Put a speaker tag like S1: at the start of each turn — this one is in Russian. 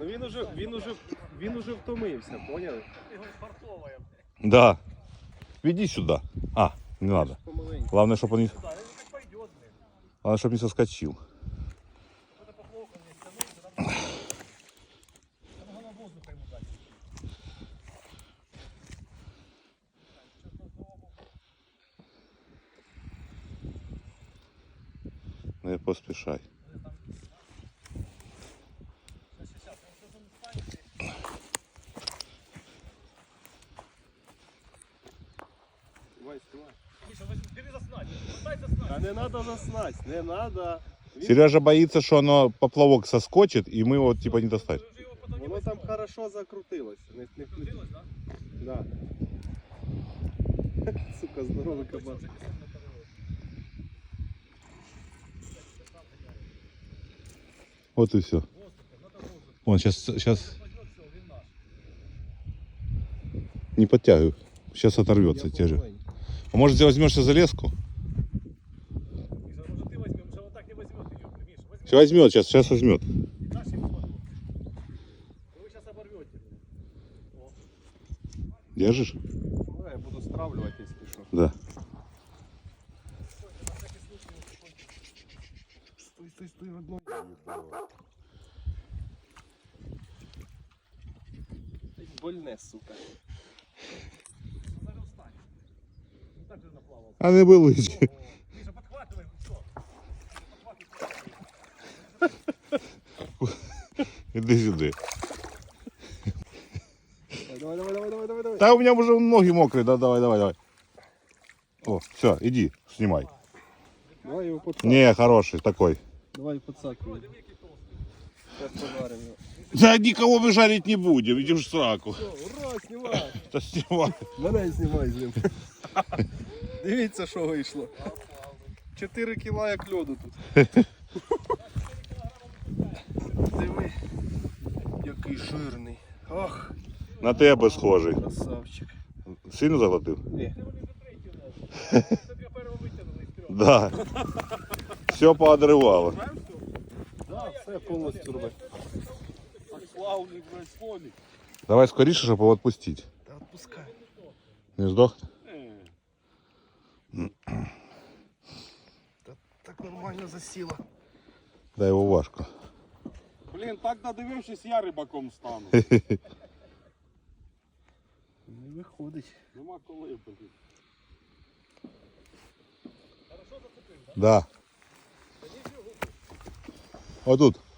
S1: Ну він уже втомився, поняли?
S2: Да. Веди сюда. А, не надо. Главное, чтобы он не... Главное, чтобы не соскочил. Не поспешай.
S1: А не надо заснать, не надо.
S2: Сережа боится, что оно поплавок соскочит, и мы его типа не достать.
S1: Воно там хорошо закрутилось. Закрутилось, да? Да. Сука, здоровий кабан.
S2: Вот и все. Вон, сейчас... Не подтягивай. Сейчас оторвется те же. А может, ты возьмешься за леску? Сейчас возьмет, сейчас возьмет. Держишь?
S1: Да, я буду стравливать, если что.
S2: Да.
S1: Стой, в одной. Больне, сука.
S2: А не болить. Іди сюди.
S1: Давай.
S2: Да у меня уже ноги мокрые, да, давай. О, все, иди, снимай.
S1: Давай его подсак.
S2: Не, хороший такой.
S1: Давай подсакивай. Сейчас пожарим его.
S2: Да никого мы жарить не будем, иди в сраку.
S1: Все, ура, снимай.
S2: Да снимай.
S1: Мене знімай з ним. Дивіться, що вийшло. 4 кіла як льоду тут. Диви, який жирний. Ах,
S2: На тебе схожий.
S1: красавчик.
S2: Сильно заглотив?
S1: Ні.
S2: Да. Все поодрывало.
S1: Да, все повністю робить. Так славний, блядь, слоник.
S2: Давай скоріше, щоб його відпустити.
S1: Та відпускай.
S2: Не здохне?
S1: Та так нормально засіло.
S2: Да його важко.
S3: Блін, так надивившись, я рибаком стану.
S1: Не виходить.
S3: Нема коли, блін.
S2: Да. Отут.